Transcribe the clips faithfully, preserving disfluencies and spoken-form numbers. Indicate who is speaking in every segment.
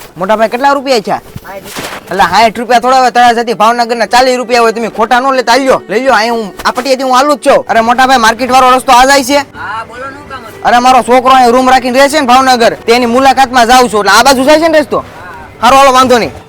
Speaker 1: મોટા ભાઈ કેટલા રૂપિયા છે? એટલે સાઠ રૂપિયા થોડા હોય તળાજાથી ભાવનગર ના ચાલીસ રૂપિયા હોય, તમે ખોટા નો લેતા આલ્યો લઈ લો. અહીં હું આ પટિયાથી હું આલું જ છું. અરે મોટા ભાઈ માર્કેટ વાળો રસ્તો આ જાય છે?
Speaker 2: હા બોલો નું કામ હતું?
Speaker 1: અરે મારો છોકરો અહીં રૂમ રાખીને રહે છે ને ભાવનગર, તેની મુલાકાતમાં જાઉં છું, એટલે આ બાજુ જાય છે ને રસ્તો. હારો હાલો વાંધો નહીં.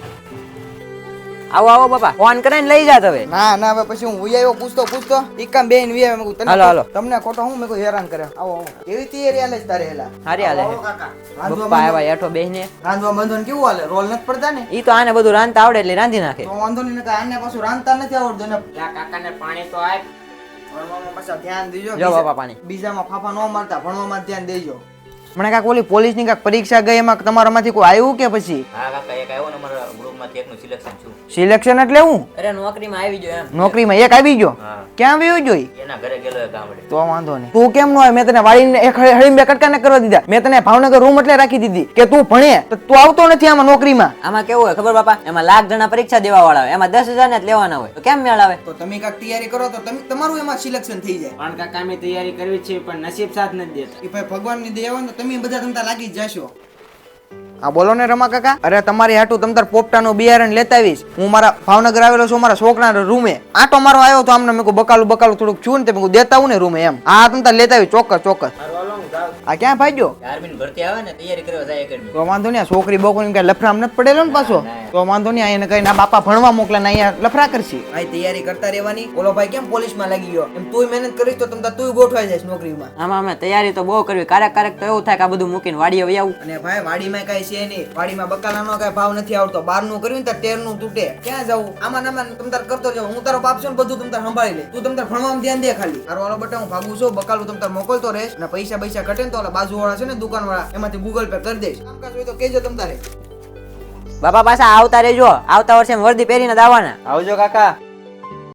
Speaker 2: આવો આવો બાપા, ફોન કરીને લઈ જાત હવે.
Speaker 1: ના ના હવે પછી હું ઉયાયો પૂછતો પૂછતો ઈકામ બેન વી આવે. તને
Speaker 2: હાલો, હાલો.
Speaker 1: તમને ખોટો હું મેં કોઈ હેરાન કરે. આવો આવો. કેવી તૈયારી હાલે છે તારે હેલા?
Speaker 2: હારી હાલે
Speaker 1: આવો કાકા.
Speaker 2: પપ્પા આવ્યા હેઠો બેહીને.
Speaker 1: રાંધવા બંધન કેવું હાલે? રોલ નથી પડતા ને?
Speaker 2: ઈ તો આને બધું રાંધતા આવડે એટલે રાંધી નાખે.
Speaker 1: તો વાંધો નહીં, નકર આને પાછું રાંધતા નથી આવડતું ને.
Speaker 2: કાકાને પાણી તો આપ.
Speaker 1: ભણવામાં પાછા ધ્યાન દેજો.
Speaker 2: જો બાપા પાણી.
Speaker 1: બીજામાં ફાફા ન મારતા, ભણવામાં ધ્યાન દેજો. મને કાક ઓલી પોલીસ ની કાક પરીક્ષા ગઈ, એમાં તમારામાંથી કોઈ આવ્યું કે પછી?
Speaker 3: હા કાકા, એક આવ્યો ને અમારા ગ્રુપમાંથી એકનું સિલેક્શન થયું.
Speaker 1: સિલેક્શન એટલે હું?
Speaker 2: અરે નોકરીમાં આવી ગયો એમ.
Speaker 1: નોકરીમાં એક આવી ગયો?
Speaker 3: હા.
Speaker 1: ક્યાં આવ્યો જોઈ?
Speaker 3: એના ઘરે ગયેલો એ ગામડે.
Speaker 1: તો વાંધો નહીં. તું કેમ નો આવે? મેં તને વાળીને એક હળી બે કટકા ન કરવા દીધા. મેં તને ભાવનગર રૂમ એટલે રાખી દીધી કે તું ભણે, તો તું આવતો નથી આમાં નોકરીમાં.
Speaker 2: આમાં કેવું હોય ખબર બાપા, એમાં લાખ જણા પરીક્ષા દેવા વાળા હોય, એમાં દસ હજાર ને જ લેવાના હોય, તો કેમ મેળ આવે?
Speaker 1: તો તમે કાક તૈયારી કરો તો તમે તમારું એમાં સિલેક્શન થઈ જાય.
Speaker 4: પણ કાકા અમે તૈયારી કરવી છે પણ નસીબ સાથ નથી દેતા.
Speaker 1: એ ભાઈ ભગવાનની દયા હોય ને તમે બધા તમતા લાગી જ જશો. હા બોલો ને રમા કાકા. અરે તમારી હાટું તમતાર પોપટાનું બિયારણ લેતા આવીશ. હું મારા ભાવનગર આવેલો છું, મારા છોકરાના રૂમે આટો મારો આવ્યો તો આમને મેં કહું બકાલું બકાલું થોડુંક છું ને તે મેં દેતા હું ને રૂમે એમ. હા તમતાર લેતા આવી ચોક્કસ ચોક્કસ. આ ક્યાં ભાગ્યો?
Speaker 3: આર્મીની ભરતી આવે ને તૈયારી કરવા જાય એકેડમી.
Speaker 1: તો વાંધો નહીં, છોકરી બોકરી કઈ લફરામ નથી પડેલો ને પાછો. તો વાંધો નહીં, અહીંયા કઈ ના બાપા ભણવા મોકલે ને અહીંયા લફરા કરશી. આ તૈયારી કરતા રહેવાની. ઓલો ભાઈ કેમ પોલીસમાં લાગી ગયો, એમ તું મહેનત કરીશ તો તમતા તું ગોઠવાઈ જઈશ નોકરીમાં.
Speaker 2: આમાં અમે તૈયારી તો બહુ કરવી, ક્યારેક ક્યારેક તો એવું થાય કે આ બધું મૂકીને વાડીએ વહી આવું.
Speaker 1: અને ભાઈ વાડીમાં કઈ છે નહીં, વાડીમાં બકાલાનો કઈ ભાવ નથી આવતો. બાર નું કર્યું ને તેર નું તૂટે. ક્યાં જવું? આમાં નામાં તમતાર કરતો જાવ. હું તારો બાપ છું ને બધું તમતાર સંભાળી લે. તું તમતાર ભણવામાં ધ્યાન દે ખાલી. તારો વાળો બટા હું ભાગું છું, બકાલું તમતાર મોકલતો રહેશ અને પૈસા પૈસા ઘટે ને તો ઓલા બાજુ વાળા છે ને દુકાન વાળા, એમાંથી ગૂગલ પે કરી દઈશ. કામકાજ હોય તો કેજો તમતારે.
Speaker 2: બાપા પાછા આવતા રહેજો, આવતા વર્ષે વર્દી પહેરીને જ આવવાના.
Speaker 4: આવજો કાકા.